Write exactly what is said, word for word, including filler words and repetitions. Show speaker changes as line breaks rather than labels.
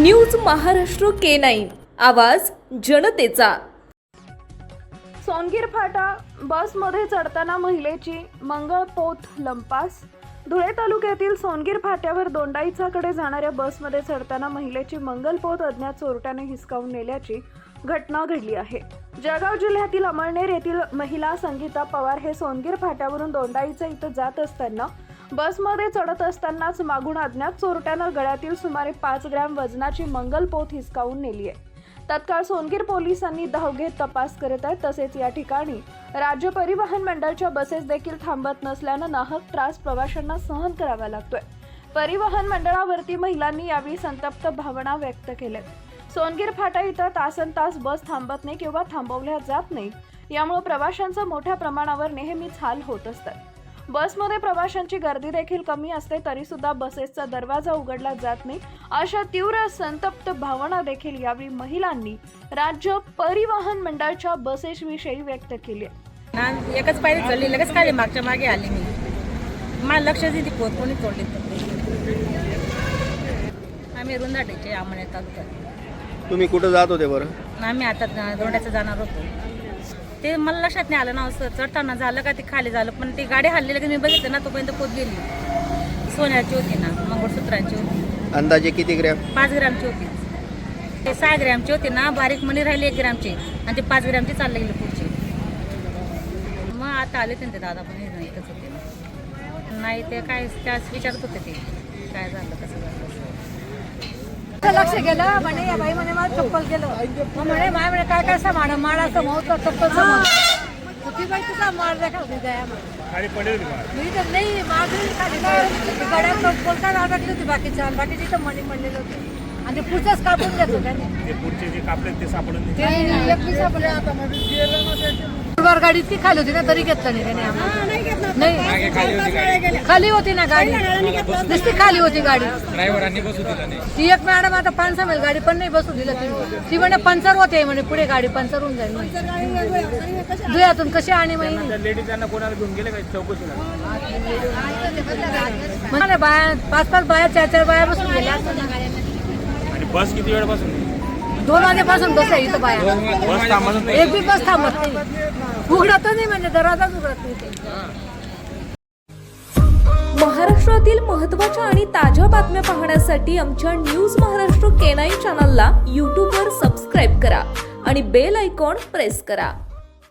News Maharashtra K nine, आवाज जनतेचा।
सोनगीर फाटा बसमध्ये चढताना महिलेची मंगळपोत लंपास। धुळे तालुक्यातील सोनगीर फाट्यावर दोंडाईचाकडे जाणाऱ्या बसमध्ये चढताना महिलेची मंगलपोत अज्ञात चोरट्याने हिसकावून नेल्याची घटना घडली आहे। जळगाव जिल्ह्यातील अमळनेर येथील महिला संगीता पवार हे सोनगीर फाट्यावरून दोंडाईचा इथं जात असताना बसमध्ये चढत असतानाच मागून अज्ञात चोरट्यानं गळ्यातील सुमारे पाच ग्रॅम वजनाची मंगलपोत हिसकावून नेली आहे। तत्काळ सोनगीर पोलिसांनी धाव घेत तपास करत आहेत। तसेच या ठिकाणी राज्य परिवहन मंडळाच्या बसेस देखील थांबत नसल्यानं नाहक त्रास प्रवाशांना सहन करावा लागतोय। परिवहन मंडळावरती महिलांनी यावेळी संतप्त भावना व्यक्त केल्यात। सोनगीर फाटा इथं तासन तास बस थांबत नाही किंवा थांबवल्या जात नाही, यामुळे प्रवाशांचा मोठ्या प्रमाणावर नेहमीच हाल होत असतात। बसमध्ये प्रवाशांची गर्दी देखील कमी असते तरी सुद्धा बसेसचा दरवाजा उघडला जात नाही, अशा तीव्र संतप्त भावना देखील यावेळी महिलांनी राज्य परिवहन मंडळाच्या बसेसविषयी व्यक्त केली आहे।
एकच पायरी चढली, लगेच खाली मागच्या मागे आली मी, मला लक्ष दिली पोत कोणी तोडली। आम्ही रुंदाटीचे आमणे तालुक्यात।
तुम्ही कुठं जात होते बरं?
आम्ही आता दोंड्याचं जाणार होतो, ते मला लक्षात नाही आलं ना, असं चढताना झालं का ते खाली झालं, पण ती गाडी हल्ली की मी बघितलं ना तोपर्यंत पोत गेली। सोन्याची होती ना, मंगळसूत्रांची होती।
अंदाजे किती ग्रॅम?
पाच ग्रॅमची होती। ते सहा ग्रॅमची होती ना, बारीक मणी राहिली एक ग्रॅमची आणि ते पाच ग्रॅमची चालले गेली पुढची। मग आता आले ते दादा पण नाही इथंच होते ना, नाही ते काय त्याच विचारत होते ते काय झालं कसं झालं।
लक्ष गेलं म्हणे या बाई म्हणे मला चप्पल गेलं, मग म्हणे माय म्हणे काय काय सामान माळाचं महोत्सव चप्पल सामान होती बाई, तुझा माळ देखा होती द्या मी तर नाही मागली खाली गड्यात बोलता अडकली होती बाकीच्या बाकीची तर मणी म्हणलेलं होतं आणि ते पुढचंच कापून देतो त्याने गाडी ती खाली होती ना तरी घेतलं नाही त्याने आम्हाला, नाही खाली होती ना गाडी, नुसती खाली होती गाडी। ती एक मॅडम आता पाच सहा गाडी पण नाही बसू दिलं ती ती म्हणे पंचर होते म्हणे, पुढे गाडी पंचर होऊन जाईल धुयातून कशी आणि म्हणजे बाया पाच पाच बाया चार चार बाया बसून गेल्या।
बस किती वेळापासून?
दोन वाजेपासून बस आहे इथं बाया, एक बी बस थांबत नाही, उघडत नाही म्हणजे दरवाजाच उघडत नाही।
महाराष्ट्रातील महत्त्वाच्या आणि ताज्या बातम्या पाहण्यासाठी आमच्या न्यूज महाराष्ट्र के नाईन चॅनलला यूट्यूबवर सबस्क्राईब करा आणि बेल आयकॉन प्रेस करा।